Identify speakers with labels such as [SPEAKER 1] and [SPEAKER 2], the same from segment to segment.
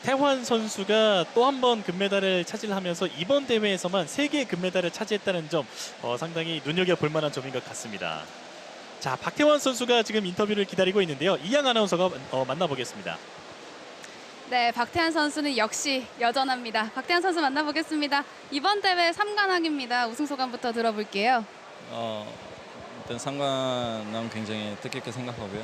[SPEAKER 1] 박태환 선수가 또 한 번 금메달을 차지하면서 이번 대회에서만 3개의 금메달을 차지했다는 점 상당히 눈여겨볼 만한 점인 것 같습니다. 자, 박태환 선수가 지금 인터뷰를 기다리고 있는데요. 이양 아나운서가 만나보겠습니다.
[SPEAKER 2] 네, 박태환 선수는 역시 여전합니다. 박태환 선수 만나보겠습니다. 이번 대회 3관왕입니다. 우승 소감부터 들어볼게요.
[SPEAKER 3] 일단 상관은 굉장히 뜻깊게 생각하고요.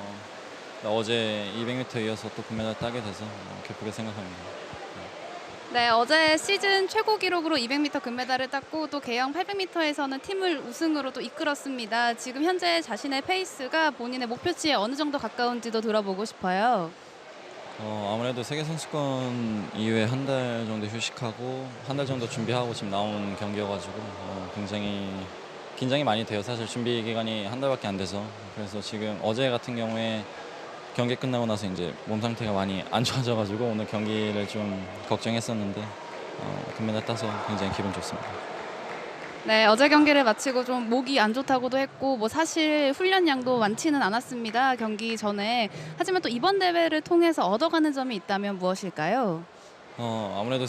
[SPEAKER 3] 어제 200m 이어서 또 금메달 따게 돼서 기쁘게 생각합니다.
[SPEAKER 2] 네, 어제 시즌 최고 기록으로 200m 금메달을 땄고 또 개영 800m에서는 팀을 우승으로 또 이끌었습니다. 지금 현재 자신의 페이스가 본인의 목표치에 어느 정도 가까운지도 들어보고 싶어요.
[SPEAKER 3] 아무래도 세계선수권 이후에 한 달 정도 휴식하고 한 달 정도 준비하고 지금 나온 경기여가지고 굉장히 긴장이 많이 돼요. 사실 준비 기간이 한 달밖에 안 돼서. 그래서 지금 어제 같은 경우에 경기 끝나고 나서 이제 몸 상태가 많이 안 좋아져가지고 오늘 경기를 좀 걱정했었는데 금메달 따서 굉장히 기분 좋습니다.
[SPEAKER 2] 네, 어제 경기를 마치고 좀 목이 안 좋다고도 했고 뭐 사실 훈련량도 많지는 않았습니다. 경기 전에. 하지만 또 이번 대회를 통해서 얻어가는 점이 있다면 무엇일까요?
[SPEAKER 3] 아무래도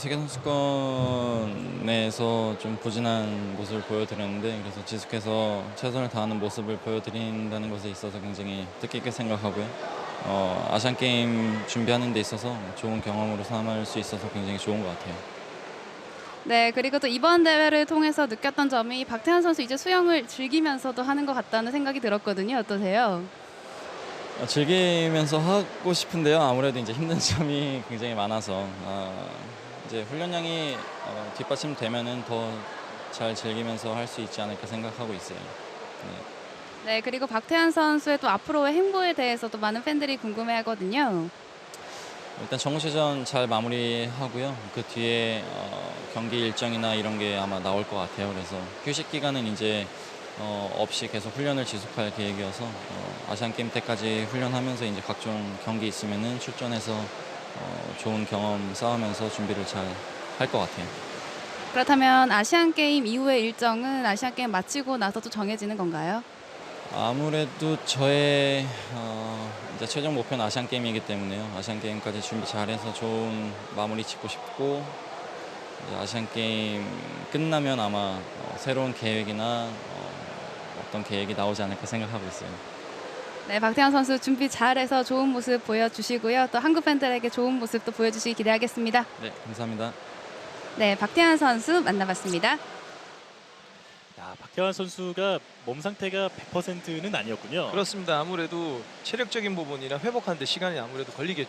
[SPEAKER 3] 세계선수권에서 좀 부진한 모습을 보여드렸는데 그래서 지속해서 최선을 다하는 모습을 보여드린다는 것에 있어서 굉장히 뜻깊게 생각하고요. 아시안게임 준비하는 데 있어서 좋은 경험으로 삼을 수 있어서 굉장히 좋은 것 같아요.
[SPEAKER 2] 네, 그리고 또 이번 대회를 통해서 느꼈던 점이 박태환 선수 이제 수영을 즐기면서도 하는 것 같다는 생각이 들었거든요. 어떠세요?
[SPEAKER 3] 즐기면서 하고 싶은데요. 아무래도 이제 힘든 점이 굉장히 많아서 이제 훈련량이 뒷받침되면은 더 잘 즐기면서 할 수 있지 않을까 생각하고 있어요.
[SPEAKER 2] 네, 그리고 박태환 선수의 또 앞으로의 행보에 대해서도 많은 팬들이 궁금해하거든요.
[SPEAKER 3] 일단 정시전 잘 마무리하고요. 그 뒤에 경기 일정이나 이런 게 아마 나올 것 같아요. 그래서 휴식 기간은 이제 없이 계속 훈련을 지속할 계획이어서 아시안게임 때까지 훈련하면서 이제 각종 경기 있으면은 출전해서 좋은 경험 쌓으면서 준비를 잘 할 것 같아요.
[SPEAKER 2] 그렇다면 아시안게임 이후의 일정은 아시안게임 마치고 나서 또 정해지는 건가요?
[SPEAKER 3] 아무래도 저의 이제 최종 목표는 아시안게임이기 때문에요. 아시안게임까지 준비 잘해서 좋은 마무리 짓고 싶고 이제 아시안게임 끝나면 아마 새로운 계획이나 어떤 계획이 나오지 않을까 생각하고 있어요.
[SPEAKER 2] 네, 박태환 선수 준비 잘해서 좋은 모습 보여주시고요. 또 한국 팬들에게 좋은 모습도 보여주시기 기대하겠습니다.
[SPEAKER 3] 네, 감사합니다.
[SPEAKER 2] 네, 박태환 선수 만나봤습니다.
[SPEAKER 1] 야, 박태환 선수가 몸 상태가 100%는 아니었군요.
[SPEAKER 4] 그렇습니다. 아무래도 체력적인 부분이나 회복하는 데 시간이 아무래도 걸리겠죠.